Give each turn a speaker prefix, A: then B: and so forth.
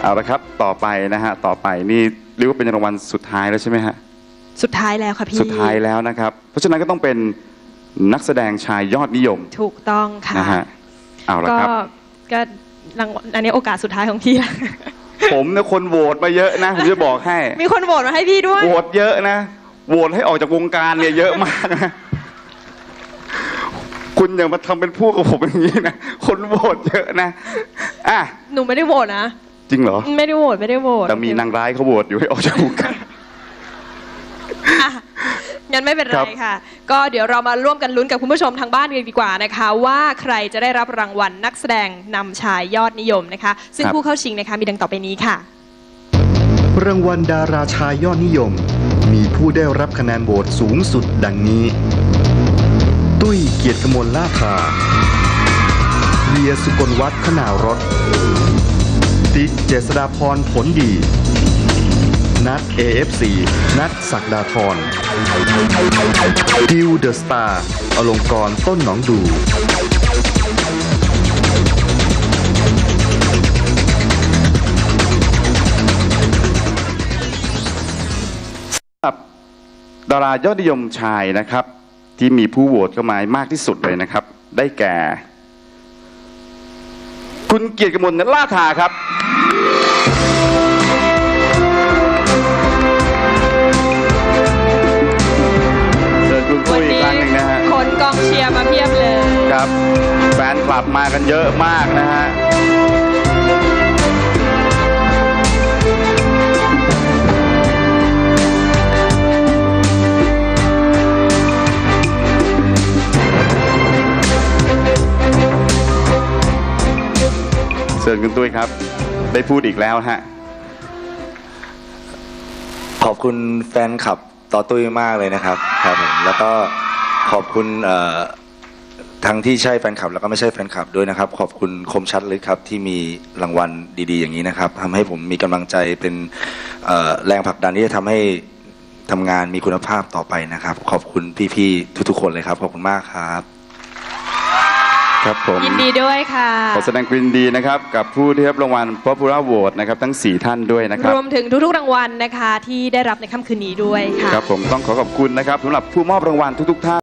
A: เอาละครับต่อไปนะฮะต่อไปนี่เรียกว่าเป็นรางวัลสุดท้ายแล้วใช่ไหมฮะ
B: สุดท้ายแล้วค่ะพี่
A: สุดท้ายแล้วนะครับเพราะฉะนั้นก็ต้องเป็นนักแสดงชายยอดนิยม
B: ถูกต้องค่ะ
A: นะฮะเอาละครับ
B: ก็รางวัลอันนี้โอกาสสุดท้ายของพี่แล้ว
A: ผมเนี่ยคนโหวตมาเยอะนะผมจะบอกให้
B: มีคนโหวตมาให้พี่ด้วย
A: โหวตเยอะนะโหวตให้ออกจากวงการเนี่ยเยอะมากนะคุณอย่ามาทำเป็นพวกกับผมอย่างนี้นะคนโหวตเยอะนะอ่ะ
B: หนูไม่ได้โหวตนะ
A: จริงเหรอ
B: ไม่ได้โหวต
A: แต่มีนางร้ายเขาโหวตอยู่ให้ออกจากวงการ
B: งั้นไม่เป็นไรค่ะก็เดี๋ยวเรามาร่วมกันลุ้นกับคุณผู้ชมทางบ้านกันดีกว่านะคะว่าใครจะได้รับรางวัลนักแสดงนำชายยอดนิยมนะคะซึ่งผู้เข้าชิงนะคะมีดังต่อไปนี้ค่ะ
C: รางวัลดาราชายยอดนิยมมีผู้ได้รับคะแนนโหวตสูงสุดดังนี้ตุ้ยเกียรติกมลล่าภาเวียสุกลวัฒน์ขนาวรถติ๊กเจษฎาพรผลดีนัท AFC นัทศักดาธรดิวเดอะสตาร์อลงกรณ์ต้นหนองดู
A: ดารายอดนิยมชายนะครับที่มีผู้โหวตเข้ามามากที่สุดเลยนะครับได้แก่คุณเกียรติกมลล่าภาครับเชิญคุณตุ้ยอีกครั้งหนึ่งนะฮะ
B: คนกองเชียร์มาเพียบเลย
A: ครับแฟนคลับมากันเยอะมากนะฮะเชิญคุณตุ้ยครับได้พูดอีกแล้วฮะ
D: ขอบคุณแฟนคลับต่อตุ้ยมากเลยนะครับครับผมแล้วก็ขอบคุณทั้งที่ใช่แฟนคลับแล้วก็ไม่ใช่แฟนคลับด้วยนะครับขอบคุณคมชัดเลยครับที่มีรางวัลดีๆอย่างนี้นะครับทำให้ผมมีกำลังใจเป็นแรงผลักดันที่จะทำให้ทำงานมีคุณภาพต่อไปนะครับขอบคุณพี่ๆทุกๆคนเลยครับขอบคุณมากครับ
A: ครับผม
B: ยินดีด้วยค่ะ
A: ขอแสดงความยินดีนะครับกับผู้ที่รับรางวัล Popular Award นะครับทั้ง4ท่านด้วยนะครับ
B: รวมถึงทุกๆรางวัลนะคะที่ได้รับในค่ำคืนนี้ด้วยค่ะ
A: ครับผมต้องขอขอบคุณนะครับสำหรับผู้มอบรางวัลทุกๆท่าน